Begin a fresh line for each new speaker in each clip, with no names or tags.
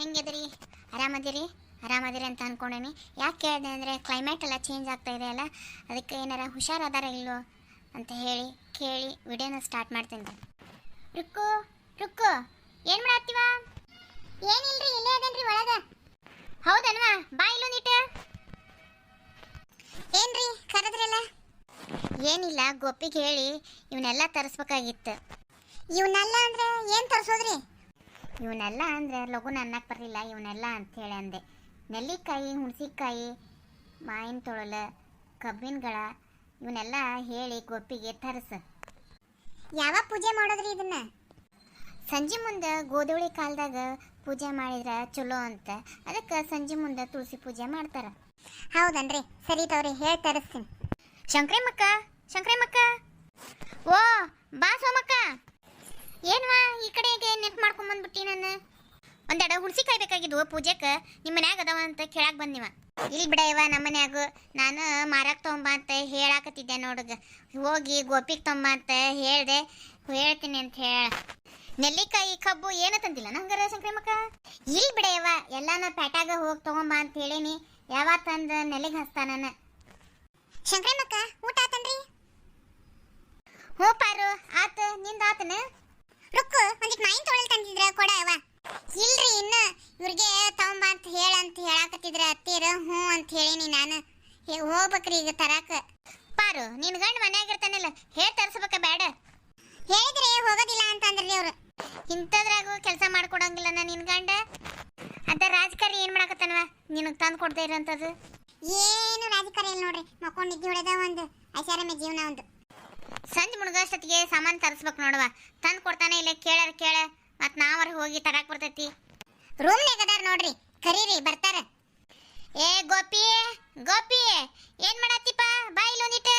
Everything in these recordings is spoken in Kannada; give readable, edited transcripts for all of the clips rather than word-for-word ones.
ಹೆಂಗಿದ್ರಿ? ಆರಾಮದಿರಿ ಅಂತ ಅಂದ್ಕೊಂಡೇನಿ. ಯಾಕೆ ಕೇಳಿದೆ ಅಂದರೆ ಕ್ಲೈಮೇಟ್ ಎಲ್ಲ ಚೇಂಜ್ ಆಗ್ತಾ ಇದೆ ಅಲ್ಲ, ಅದಕ್ಕೆ ಏನಾರ ಹುಷಾರಾದಾರ ಇಲ್ಲೋ ಅಂತ ಹೇಳಿ ಕೇಳಿ ವಿಡಿಯೋನ ಸ್ಟಾರ್ಟ್ ಮಾಡ್ತೀನಿ. ರುಕ್ಕು ರುಕ್ಕು ಏನು ಮಾಡತ್ತೀವ? ಏನಿಲ್ರಿ, ಇಲ್ಲೇ ಅದೇನ್ರಿ ಒಳಗ. ಹೌದನ್ವಾ, ಬಾ ಇಲ್ಲೊಂದಿಟ್ಟು. ಏನ್ರಿ ಕರೆದ್ರಲ್ಲ? ಏನಿಲ್ಲ, ಗೋಪಿಗೆ ಹೇಳಿ ಇವನ್ನೆಲ್ಲ ತರಿಸ್ಬೇಕಾಗಿತ್ತು. ಇವನ್ನೆಲ್ಲ ಅಂದ್ರೆ ಏನು ತರಿಸೋದ್ರಿ? ಇವನ್ನೆಲ್ಲ ಅಂದರೆ ಲಘುನ ಅನ್ನಕ್ಕೆ ಬರಲಿಲ್ಲ, ಇವನ್ನೆಲ್ಲ ಅಂಥೇಳಿ ಅಂದೆ. ನೆಲ್ಲಿಕಾಯಿ, ಹುಣಸಿಕಾಯಿ, ಮಾವಿನ ತೊಳಲು, ಕಬ್ಬಿನಗಳ ಇವನ್ನೆಲ್ಲ ಹೇಳಿ ಗೋಪಿಗೆ ತರಿಸು. ಯಾವಾಗ ಪೂಜೆ ಮಾಡೋದ್ರಿ ಇದನ್ನ? ಸಂಜೆ ಮುಂದೆ ಗೋಧೂಳಿ ಕಾಲದಾಗ ಪೂಜೆ ಮಾಡಿದ್ರೆ ಚಲೋ ಅಂತ, ಅದಕ್ಕೆ ಸಂಜೆ ಮುಂದೆ ತುಳಸಿ ಪೂಜೆ ಮಾಡ್ತಾರೆ. ಹೌದನ್ರಿ, ಸರಿ ತವ್ರಿ, ಹೇಳಿ ತರಿಸ್ತೀನಿ. ಶಂಕ್ರಮ್ಮಕ್ಕ, ಓ ಬಾ ಸೋಮಕ್ಕ. ಏನ್ವಾ ಈ ಕಡೆಗೆ ನೆನ್ಪು ಮಾಡ್ಕೊಂಡ್ ಬಂದ್ಬಿಟ್ಟಿ. ನಾನು ಒಂದೆರಡು ಹುಣಸಿಕಾಯಿ ಬೇಕಾಗಿದ್ವು ಪೂಜೆಗೆ, ನಿಮ್ಮ ಮನ್ಯಾಗ ಅದಾವ ಅಂತ ಕೇಳಕ್ಕೆ ಬಂದಿವ. ಇಲ್ಲಿ ಬಿಡ ಇವ, ನಮ್ಮ ಮನ್ಯಾಗು ನಾನು ಮಾರಕ್ಕೆ ತೊಗೊಂಬ ಅಂತ ಹೇಳಾಕತ್ತಿದ್ದೆ ನೋಡುಗ. ಹೋಗಿ ಗೋಪಿಗೆ ತೊಂಬ ಅಂತ ಹೇಳ್ತೀನಿ ಅಂತ ಹೇಳ. ನೆಲ್ಲಿಕಾಯಿ ಕಬ್ಬು ಏನು ತಂದಿಲ್ಲ ನಂಗಾರ ಶಂಕ್ರಮ್ಮಕ್ಕ? ಇಲ್ಲಿ ಬಿಡ ಇವ, ಎಲ್ಲಾನ ಪ್ಯಾಟಾಗ ಹೋಗಿ ತೊಗೊಂಬ ಅಂತ ಹೇಳೀನಿ. ಯಾವತ್ತಂದು ನೆಲ್ಲಿಗೆ ಹಸ್ತಾನ. ಶಂಕ್ರಮ್ಮಕ್ಕ ಊಟ ಆತನ್ರಿ? ಹ್ಞೂ ಪಾರು ಆತ, ನಿಂದ ಆತನ? ರುಕ್ಕು ಒಂದಿಟ್ಟು ಮಾಯಿನ ತೊಳಲ್ ತಂದಿದ್ರ ಕೊಡ ಅವ. ಇಲ್ರಿ, ಇನ್ನು ಇವ್ರಿಗೆ ತಗೊಂಬ ಅಂತ ಹೇಳಾಕತ್ತಿದ್ರ ಅತ್ತೀರ. ಹ್ಞೂ ಅಂತ ಹೇಳೀನಿ ನಾನು. ಹೋಗ್ಬೇಕ್ರಿ ಈಗ ತರಾಕ. ಪಾರು, ನಿನ್ ಗಂಡ ಮನ್ಯಾಗಿರ್ತಾನಲ್ಲ, ಹೇಳಿ ತರಿಸ್ಬೇಕ ಬೇಡ? ಹೇಳಿದ್ರೆ ಹೋಗೋದಿಲ್ಲ ಅಂತ ಅಂದ್ರಿ ಅವ್ರು. ಇಂಥದ್ರಾಗೂ ಕೆಲಸ ಮಾಡ್ಕೊಡಂಗಿಲ್ಲ ನಿನ್ ಗಂಡ. ಅದ ರಾಜಕಾರಿ ಏನ್ ಮಾಡಾಕತ್ತಾನವ ನಿನಗೆ ತಂದು ಕೊಡ್ತಾ ಇರೋಂಥದ್ದು? ಏನು ರಾಜಕಾರಿ ಇಲ್ಲ ನೋಡ್ರಿ, ಮಕ್ಕೊಂಡಿದ್ದು ಹೊಡೆದ ಒಂದು ಐಷಾರಾಮಿ ಜೀವನ ಒಂದು. ಸಂಜೆ ಮುಳುಗಷ್ಟೊತ್ತಿಗೆ ಸಾಮಾನು ತರಿಸ್ಬೇಕು ನೋಡುವ. ತಂದು ಕೊಡ್ತಾನೆ ಇಲ್ಲ, ಕೇಳ ಮತ್ತು ನಾವರ ಹೋಗಿ ತರಾಕ್ ಬರ್ತೈತಿ. ರೂಮ್ನಾಗ ಅದಾರ ನೋಡ್ರಿ, ಕರೀರಿ ಬರ್ತಾರ. ಏ ಗೋಪಿ ಏನ್ ಮಾಡತ್ತಿಪ್ಪ? ಬಾ ಇಲ್ಲೊಂದಿಟ್ಟು.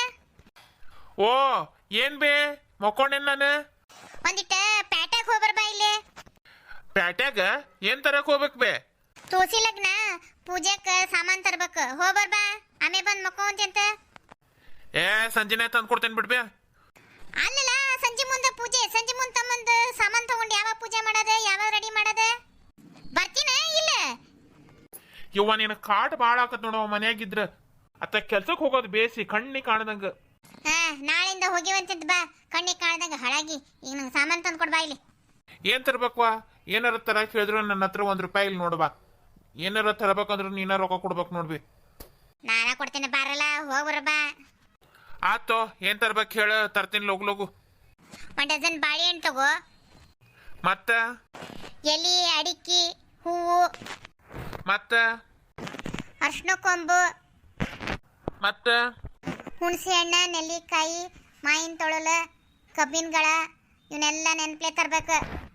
ಓ ಏನ್ ಬೇ ಮಕ್ಕೊಂಡೇನ್ ನಾನು?
ಒಂದಿಟ್ಟ ಪ್ಯಾಟ್ಯಾಗ ಹೋಗ್ಬರ್ ಬಾ ಇಲ್ಲಿ.
ಪ್ಯಾಟ್ಯಾಗ ಏನ್ ತರಕ್ ಹೋಗ್ಬೇಕ್ ಬೇ?
ತುಳಸಿ ಲಗ್ನ ಪೂಜೆಕ್ ಸಾಮಾನ್ ತರ್ಬೇಕು, ಹೋಗ್ಬರ್ ಬಾ. ಆಮೇ ಬಂದ್ ಮಕ್ಕೊಂತಿ ಅಂತ.
ಏ ಸಂಜೆನೆ ತಂದು ಕೊಡ್ತೇನೆ ಬಿಡ್ಬೇ.
ಅಲ್ಲಲ್ಲ, ಸಂಜೆ ಮುಂದೆ ಪೂಜೆ, ಸಂಜೆ ಮುಂದೆ ತಮ್ಮಂದು ಸಾಮಾನ್ ತಗೊಂಡು ಯಾವಾಗ ಪೂಜೆ ಮಾಡೋದು, ಯಾವಾಗ ರೆಡಿ ಮಾಡೋದು? ಬರ್ತೀನ ಇಲ್ಲ?
ಇವ್ವ ನೀನು ಕಾಟ್ ಭಾಳ ಆಕತ್ ನೋಡವ ಮನ್ಯಾಗಿದ್ರ. ಅತ್ತ ಕೆಲ್ಸಕ್ಕೆ ಹೋಗೋದು ಬೇಸಿ ಕಣ್ಣಿ ಕಾಣದಂಗ.
ನಾಳಿಂದ ಹೋಗಿವಂತಿದ್ ಬಾ, ಕಣ್ಣಿಗೆ ಕಾಣದಂಗ ಹಾಳಾಗಿ. ಈಗ ನಂಗೆ ಸಾಮಾನ್ ತಂದು ಕೊಡ್ ಬಾ ಇಲ್ಲಿ.
ಏನ್ ತರ್ಬೇಕ್ವಾ? ಏನಾರ ತರಕ್ ಹೇಳಿದ್ರು ನನ್ನ ಹತ್ರ ₹1 ಇಲ್ಲಿ ನೋಡ್ಬಾ. ಏನಾರ ತರಬೇಕಂದ್ರೆ ನೀನ ರೊಕ್ಕ ಕೊಡ್ಬೇಕು ನೋಡ್ಬಿ.
ನಾನ ಕೊಡ್ತೇನೆ, ಬಾರಲ್ಲ ಹೋಗ್ಬರ ಬಾ.
ಆತೋ, ಏನ್ ತರ್ಬೇಕು ಹೇಳ, ತರ್ತೀನಿ ಲಗು.
1 ಡಜನ್ ಬಾಳೆಹಣ್ಣು ತಗೋ.
ಮತ್ತ
ಎಲಿ, ಅಡಿಕೆ, ಹೂವು,
ಮತ್ತ
ಅರ್ಶಿನ ಕೊಂಬು,
ಮತ್ತ
ಹುಣಸೆ ಹಣ್ಣು, ನೆಲ್ಲಿಕಾಯಿ, ಮಾವಿನ ತೊಳಲು, ಕಬ್ಬಿನಗಳ ಇವನ್ನೆಲ್ಲ ನೆನ್ಪ್ಲೆ ತರ್ಬೇಕು.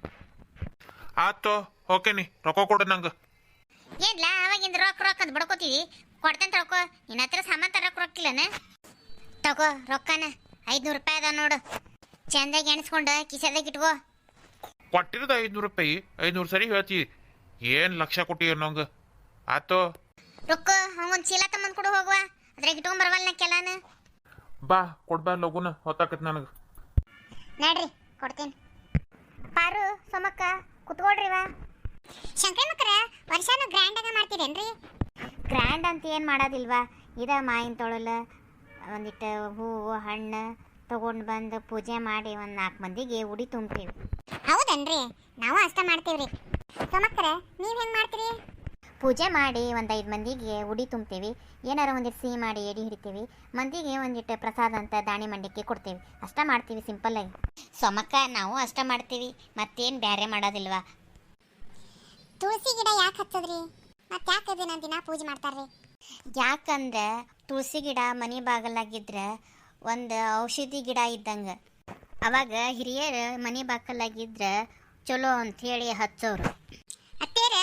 ಆತೋ, ಓಕೆನಿ, ರೊಕ್ಕ ಕೊಡು ನಂಗೆ.
ಏನ್ಲ ಅವಾಗಿಂದ ರೊಕ್ಕ ಅಂತ ಬಡ್ಕೋತೀವಿ, ಕೊಡ್ತೇನೆ ತಳ್ಕೊ. ನಿನ್ನ ಹತ್ರ ಸಾಮಾನು ತರಕ್ಕೆ ರೊಕ್ಕಿಲ್ಲನ? ತಗೋ ರೊಕ್ಕನ, ₹500 ಅದ ನೋಡು. ಚಂದಾಗಿ ಎಣಿಸ್ಕೊಂಡು ಕಿಸೆದಾಗ ಇಟ್ಕೋ.
ಕೊಟ್ಟಿರೋದು ₹500, 500 ಸರಿ ಹೇಳ್ತಿ. ಏನ್ ಲಕ್ಷ ಕೊಟ್ಟಿ ನಂಗೆ? ಆತೋ,
ರೊಕ್ಕ ಹಂಗೊಂದು ಚೀಲ ತಮ್ಮಂದು ಕೊಡು ಹೋಗುವ, ಅದ್ರಾಗ ಇಟ್ಕೊಂಬರ್ವಲ್ಲ ನಾ ಕೆಲಾನ.
ಬಾ ಕೊಡ್ಬಾ ಲಗುನ, ಹೊತ್ತಾಕತ್ ನನಗೆ.
ನೋಡ್ರಿ ಕೊಡ್ತೀನಿ. ಪಾರು, ಸೋಮಕ್ಕ ಕುತ್ಕೊಳ್ರಿವ. ಶಂಕರಮ್ಮಕ್ಕರ ವರ್ಷಾನು ಗ್ರ್ಯಾಂಡಾಗ ಮಾಡ್ತೀರೇನ್ರಿ? ಗ್ರ್ಯಾಂಡ್ ಅಂತ ಏನು ಮಾಡೋದಿಲ್ವಾ, ಇದ ಮಾವಿನ ತೊಳಲು, ಒಂದಿಟ್ಟು ಹೂವು ಹಣ್ಣು ತೊಗೊಂಡು ಬಂದು ಪೂಜೆ ಮಾಡಿ ಒಂದು 4 ಮಂದಿಗೆ ಉಡಿ ತುಂಬ್ತೀವಿ. ಹೌದನ್ರಿ, ನಾವು ಅಷ್ಟ ಮಾಡ್ತೀವ್ರಿ. ಸೋಮಕ್ಕರ ನೀವು ಹೆಂಗೆ ಮಾಡ್ತೀರಿ? ಪೂಜೆ ಮಾಡಿ ಒಂದು 5 ಮಂದಿಗೆ ಉಡಿ ತುಂಬ್ತೀವಿ. ಏನಾರ ಒಂದಿಟ್ಟು ಸಿಹಿ ಮಾಡಿ ಎಡಿ ಹಿಡಿತೀವಿ. ಮಂದಿಗೆ ಒಂದಿಟ್ಟು ಪ್ರಸಾದ ಅಂತ ದಾಣಿ ಮಂಡಕ್ಕಿ ಕೊಡ್ತೀವಿ. ಅಷ್ಟ ಮಾಡ್ತೀವಿ ಸಿಂಪಲ್ಲಾಗಿ. ಸೋಮಕ್ಕ ನಾವು ಅಷ್ಟ ಮಾಡ್ತೀವಿ, ಮತ್ತೇನು ಬೇರೆ ಮಾಡೋದಿಲ್ವಾ? ತುಳಸಿ ಗಿಡ ಯಾಕೆ ಹಚ್ಚದ್ರಿ? ಮತ್ತೆ ಯಾಕೆ ದಿನ ದಿನ ಪೂಜೆ ಮಾಡ್ತಾರ್ರಿ? ಯಾಕಂದ್ರೆ ತುಳಸಿ ಗಿಡ ಮನೆ ಬಾಗಲಾಗಿದ್ರೆ ಒಂದು ಔಷಧಿ ಗಿಡ ಇದ್ದಂಗೆ. ಅವಾಗ ಹಿರಿಯರು ಮನೆ ಬಾಗಲಾಗಿದ್ರೆ ಚಲೋ ಅಂಥೇಳಿ ಹಚ್ಚೋರು. ಅತ್ತೇರ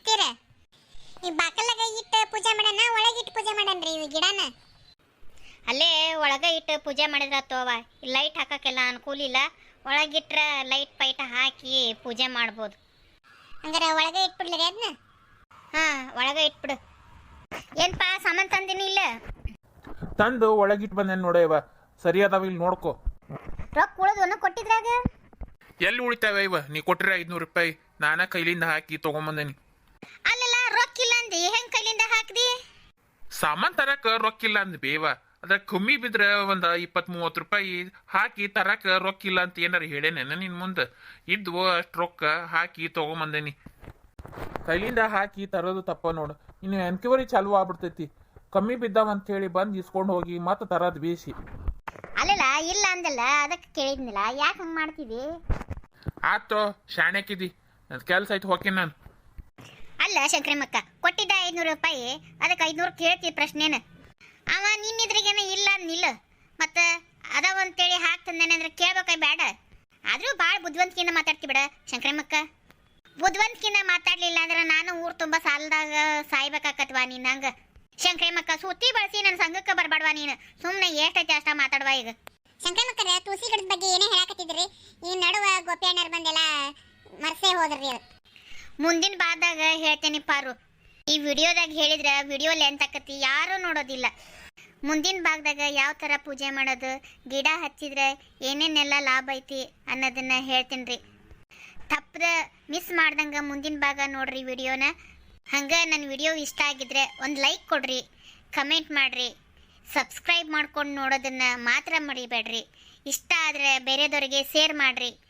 ಈ ಬಾಕಲಾಗ ಇಟ್ಟು ಪೂಜೆ ಮಾಡೋಣ, ಒಳಗಿಟ್ಟು ಪೂಜೆ ಮಾಡನ್ರಿ ಈ ಗಿಡನ? ಅಲ್ಲೇ ಒಳಗೆ ಇಟ್ಟು ಪೂಜೆ ಮಾಡಿದ್ರೆ ತೋವ, ಲೈಟ್ ಹಾಕೋಕ್ಕೆಲ್ಲ ಅನುಕೂಲ ಇಲ್ಲ. ಒಳಗಿಟ್ರೆ ಲೈಟ್ ಪೈಟ ಹಾಕಿ ಪೂಜೆ ಮಾಡ್ಬೋದು. ಹಂಗಾರೆ ಒಳಗೆ ಇಟ್ಬಿಡ್ಲಿ ಅದನ್ನ? ಹಾಂ, ಒಳಗೆ ಇಟ್ಬಿಡು. ಏನಪ್ಪ ಸಾಮಾನು ತಂದಿನಿ ಇಲ್ಲ?
ತಂದು ಒಳಗಿಟ್ಟು ಬಂದೇನು ನೋಡೇವ, ಸರಿ ಅದಾವ ಇಲ್ಲಿ ನೋಡ್ಕೊ.
ರೊಕ್ಕ ಉಳಿದು ಕೊಟ್ಟಿದ್ರಾಗ
ಎಲ್ಲಿ ಉಳಿತಾವೆ ಇವ? ನೀ ಕೊಟ್ಟಿರ ₹500, ನಾನ ಕೈಲಿಂದ ಹಾಕಿ ತೊಗೊಂಬಂದೇನಿ.
ಅಂದಿ ಹೆಂಗ್ ಕೈಲಿಂದ ಹಾಕ್ದಿ?
ಸಾಮಾನ್ ತರಕ ರೊಕ್ಕಿಲ್ಲ ಅಂದ್ ಬೇವ. ಅದ್ರ ಕಮ್ಮಿ ಬಿದ್ರ ಒಂದ್ 20-30 ರೂಪಾಯಿ ಹಾಕಿ ತರಕ ರೊಕ್ಕಿಲ್ಲ ಅಂತ ಏನಾರ ಹೇಳೇನೇನ ನಿನ್ ಮುಂದೆ? ಇದ್ವು ಅಷ್ಟ್ ರೊಕ್ಕ ಹಾಕಿ ತಗೊಂಬಂದೇನಿ. ಕೈಲಿಂದ ಹಾಕಿ ತರೋದು ತಪ್ಪ ನೋಡು. ಇನ್ನು ಎನ್ಕ್ವೈರಿ ಚಾಲು ಆಗ್ಬಿಡ್ತೈತಿ. ಕಮ್ಮಿ ಬಿದ್ದಾವ ಅಂತ ಹೇಳಿ ಬಂದು ಇಸ್ಕೊಂಡು ಹೋಗಿ ಮತ್ತೆ ತರದ್ ಬೇಸಿ.
ಅಲ್ಲಲ್ಲ ಇಲ್ಲ ಅಂದಲ್ಲ, ಅದಕ್ಕೆ ಕೇಳಿದ್ನಿಲ್ಲ. ಯಾಕೆ ಹಂಗೆ ಮಾಡ್ತಿದ್ದಿ?
ಆತೋ ಶಾಣ್ಯಾಕಿದಿ, ನನ್ ಕೆಲ್ಸ ಐತಿ ಹೋಗ್ತೀನಿ ನಾನು.
ಅಲ್ಲ ಶಂಕರಮ್ಮಕ್ಕ, ಕೊಟ್ಟಿದ್ದ 500 ರೂಪಾಯಿ, ಅದಕ್ಕೆ 500 ಕೇಳ್ತಿ ಪ್ರಶ್ನೆನ? ಅವ ನಿನ್ನಿದ್ರಿಗೇನ ಇಲ್ಲ ಅಂದಿಲ್ಲ, ಮತ್ತು ಅದಾವ ಅಂತೇಳಿ ಹಾಕ್ತಂದೇನೆ ಅಂದ್ರೆ ಕೇಳ್ಬೇಕಾಯ್ ಬೇಡ? ಆದರೂ ಭಾಳ ಬುದ್ಧಿವಂತಿಕೆಯಿಂದ ಮಾತಾಡ್ತಿ ಬಿಡ ಶಂಕರಮ್ಮಕ್ಕ. ಬುದ್ಧಿವಂತಿಕೆಯಿಂದ ಮಾತಾಡ್ಲಿಲ್ಲ ಅಂದ್ರೆ ನಾನು ಊರು ತುಂಬ ಸಾಲದಾಗ ಸಾಯ್ಬೇಕಾಕತ್ವಾ ನಿನ್ನಂಗ. ಶಂಕರಮ್ಮಕ್ಕ, ಸುತ್ತಿ ಬಳಸಿ ನನ್ನ ಸಂಘಕ್ಕೆ ಬರಬೇಡವಾ ನೀನು. ಸುಮ್ಮನೆ ಎಷ್ಟೈತಿ ಅಷ್ಟ ಮಾತಾಡುವ. ಈಗ
ಶಂಕರಮ್ಮಕ್ಕರ ತುಳಸಿ ಗಿಡದ ಬಗ್ಗೆ ಏನೇ ಹೇಳಾಕತ್ತಿದ್ರಿ? ಈ ನಡುವ ಗೋಪಿಯಣ್ಣರು ಬಂದೆಲ್ಲ ಮರ್ಸೇ ಹೋದ್ರಿ. ಅದು
ಮುಂದಿನ ಬಾದಾಗ ಹೇಳ್ತೇನೆ ಪಾರು. ಈ ವಿಡಿಯೋದಾಗ ಹೇಳಿದ್ರೆ ವಿಡಿಯೋ ಲೆಂತ್ ಆಕತಿ, ಯಾರೂ ನೋಡೋದಿಲ್ಲ. ಮುಂದಿನ ಭಾಗದಾಗ ಯಾವ ಥರ ಪೂಜೆ ಮಾಡೋದು, ಗಿಡ ಹಚ್ಚಿದ್ರೆ ಏನೇನೆಲ್ಲ ಲಾಭ ಐತಿ ಅನ್ನೋದನ್ನ ಹೇಳ್ತೀನಿ ರೀ. ತಪ್ಪದ ಮಿಸ್ ಮಾಡ್ದಂಗೆ ಮುಂದಿನ ಭಾಗ ನೋಡ್ರಿ ವಿಡಿಯೋನ. ಹಂಗೆ ನನ್ನ ವಿಡಿಯೋ ಇಷ್ಟ ಆಗಿದ್ರೆ ಒಂದು ಲೈಕ್ ಕೊಡ್ರಿ, ಕಮೆಂಟ್ ಮಾಡಿರಿ, ಸಬ್ಸ್ಕ್ರೈಬ್ ಮಾಡ್ಕೊಂಡು ನೋಡೋದನ್ನು ಮಾತ್ರ ಮರಿಬೇಡ್ರಿ. ಇಷ್ಟ ಆದರೆ ಬೇರೆದವ್ರಿಗೆ ಶೇರ್ ಮಾಡಿರಿ.